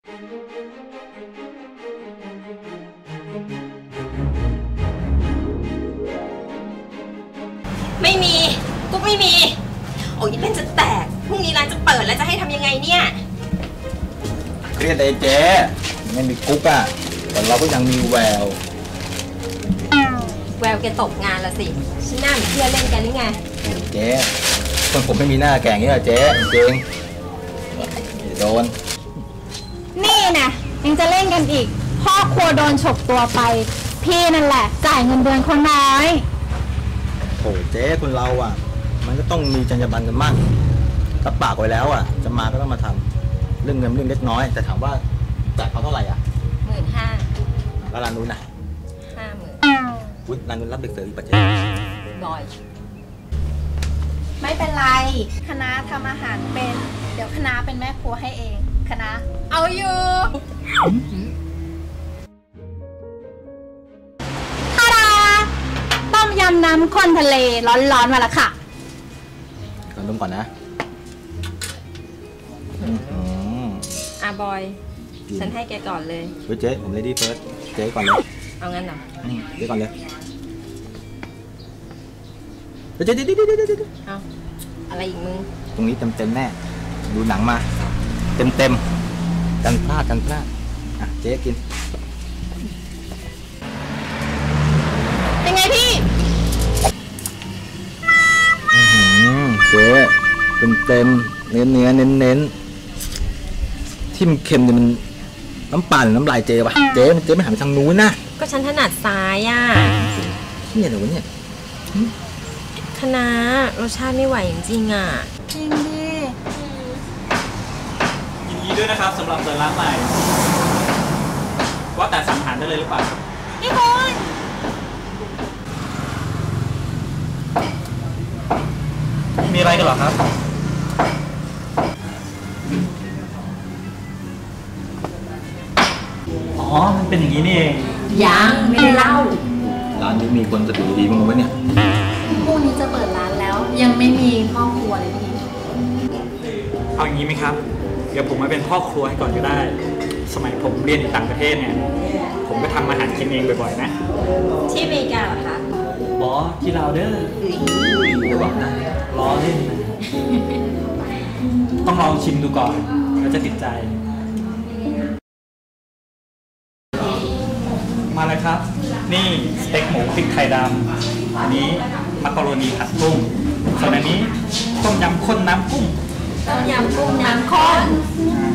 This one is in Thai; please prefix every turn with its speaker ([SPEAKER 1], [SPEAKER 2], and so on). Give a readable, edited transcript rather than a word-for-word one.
[SPEAKER 1] ไม่มีกุ๊กไม่มีโอ้ยเป็นจะแตกพรุ่งนี้ร้านจะเปิดแล้วจะให้ทำยังไงเนี่ย
[SPEAKER 2] เครียดเลยเจ๊ไม่มีกุ๊กอะแต่เราก็ยังมีแวว
[SPEAKER 1] แกตกงานละสิฉันหน้าเหมือนเพื่อนเล่นกันหรือไง
[SPEAKER 2] เจ๊คนผมไม่มีหน้าแก่งนี่แหละเจ๊จริงโดน
[SPEAKER 3] นี่นะยังจะเล่นกันอีกพ่อครัวโดนฉกตัวไปพี่นั่นแหละจ่ายเงินเดือนคนน้อย
[SPEAKER 2] โอ้เจ๊คนเราอ่ะมันก็ต้องมีจรรยาบรรณกันมั่งรับปากไว้แล้วอ่ะจะมาก็ต้องมาทำเรื่องเงินเรื่องเล็กน้อยแต่ถามว่าจ่ายเขาเท่าไหร่อ่ะ
[SPEAKER 1] 15,000
[SPEAKER 2] แล้วร้านนู้นน่ะ
[SPEAKER 1] 50,000
[SPEAKER 2] อุ๊ยร้านนู้นรับเด็กเสิร์ฟอีกปะเจ๊
[SPEAKER 1] บ่อย
[SPEAKER 3] ไม่เป็นไรคณะทำอาหารเป็นเดี๋ยวคณะเป็นแม่ครัวให้เองคณะเอาอยู่ทาดาต้มยำน้ำข้นทะเลร้อนๆมาแล้วค่ะ
[SPEAKER 2] ขอดมก่อนนะ
[SPEAKER 1] บอยฉันให้แกก่อนเลย
[SPEAKER 2] เจ๊ผมเลดี้เฟิร์สเจ๊ก่อนเลย
[SPEAKER 1] เอางั้นเหรอ
[SPEAKER 2] เจ๊ก่อนเลยเจ๊
[SPEAKER 1] เอาอะไรอีกมึง
[SPEAKER 2] ตรงนี้เต็มแน่ดูหนังมาเต็มกันพลาดอ่ะเจ๊กิน
[SPEAKER 3] เป็นไงพี่
[SPEAKER 2] เจ๊เต็มเนื้อเน้นที่มันเค็มเนี่ยมันน้ำปลาหรือน้ำลายเจ๊ปะเจ๊ไม่หันไปทางนู้นนะ
[SPEAKER 1] ก็ฉันถนัดซ้ายอ่ะ
[SPEAKER 2] เนี่ยเดี๋ยวเนี่ย
[SPEAKER 1] คณะรสชาติไม่ไหวจริงๆอ่ะ
[SPEAKER 3] จริงดิ
[SPEAKER 4] ยินดีด้วยนะครับสำหรับเปิดร้านใหม่ว่าแต่สั่งอาหารได้เลยหรือเปล่า
[SPEAKER 3] พี่คุณ
[SPEAKER 4] มีอะไรกันหรอครับอ๋อมันเป็นอย่างนี้นี่เอง
[SPEAKER 1] ยังไม่ได้เล่า
[SPEAKER 2] ร้านนี้มีคนสติดีมั้งวะเนี่ย
[SPEAKER 3] พรุ่งนี้จะเปิดร้านแล้วยังไม่มีพ่อครัวเลยพี่
[SPEAKER 4] เอาอย่างนี้ไหมครับเดี๋ยวผมมาเป็นพ่อครัวให้ก่อนก็ได้สมัยผมเรียนอยู่ต่างประเทศเนี่ยผมก็ทำอาหารกินเองบ่อยๆนะ
[SPEAKER 1] ที่อเมริกาเหรอคะ
[SPEAKER 4] อ๋อที่ลาวเด้อ
[SPEAKER 2] ระวังนะ
[SPEAKER 4] ล้อเล่นนะต้องลองชิมดูก่อนแล้วจะติดใจมาเลยครับนี่สเต็กหมูพริกไทยดำอันนี้มักกะโรนีผัดกุ้งส่วนอันนี้ต้มยำข้นน้ำกุ้ง
[SPEAKER 1] ต้มยำกุ้งน้ำข้น